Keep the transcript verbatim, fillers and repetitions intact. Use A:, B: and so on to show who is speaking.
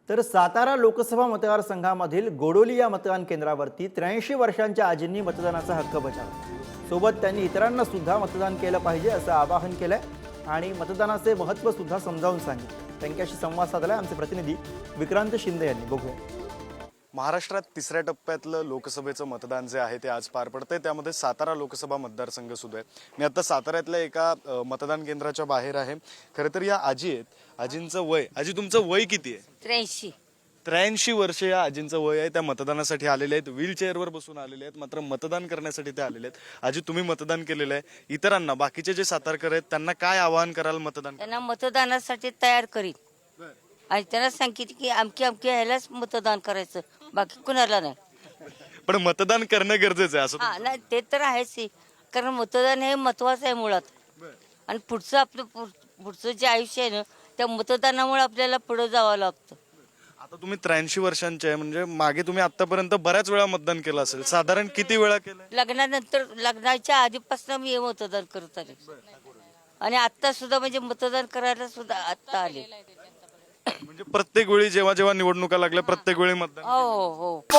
A: तर सातारा लोकसभा मतदारसंघामधील गोडोली या मतदान केंद्रावरती त्र्याऐंशी वर्षांच्या आजींनी मतदानाचा हक्क बजावला। सोबत त्यांनी इतरांना सुद्धा मतदान केलं पाहिजे असं आवाहन केलंय आणि मतदानाचे महत्त्व सुद्धा समजावून सांगितलं। त्यांच्याशी संवाद साधलाय आमचे प्रतिनिधी विक्रांत शिंदे यांनी। बघूया।
B: महाराष्ट्रात तिसऱ्या टप्प्यातलं लोकसभेचं मतदान जे आहे ते आज पार पडतंय। त्यामध्ये सातारा लोकसभा मतदारसंघ सुद्धा आहे। मी आता साताऱ्यातल्या एका अ, मतदान केंद्राच्या बाहेर आहे। खरं तर या आजी आहेत, आजींचं वय, आजी तुमचं वय किती आहे?
C: त्र्याऐंशी
B: त्र्याऐंशी वर्ष या आजींचं वय आहे। त्या मतदानासाठी आलेले आहेत, व्हीलचेअरवर बसून आलेले आहेत, मात्र मतदान करण्यासाठी ते आलेले आहेत। आजी तुम्ही मतदान केलेलं आहे, इतरांना बाकीचे जे सातारकर आहेत त्यांना काय आवाहन कराल मतदान?
C: त्यांना मतदानासाठी तयार करीत आणि त्यांना सांगितलं की अमकी अमकी ह्यालाच मतदान करायचं, बाकी कुणाला नाही।
B: पण मतदान करणं गरजेचं आहे असं
C: हा नाही ते तर आहेच की, कारण मतदान हे महत्वाचं आहे मुळात। आणि पुढचं आपलं पुढ- पुढचं जे आयुष्य आहे ना त्या मतदानामुळे आपल्याला पुढे जावं लागतं।
B: आता तुम्ही त्र्याऐंशी वर्षांचे आहे, म्हणजे मागे तुम्ही आतापर्यंत बऱ्याच वेळा मतदान केलं असेल, साधारण किती वेळा केलं?
C: लग्नानंतर लग्नाच्या आधीपासून मी हे मतदान करत आले आणि आता सुद्धा म्हणजे मतदान करायला सुद्धा आता आले।
B: म्हणजे प्रत्येक वेळी जेव्हा जेव्हा निवडणुका लागल्या प्रत्येक वेळी मतदान?
C: हो हो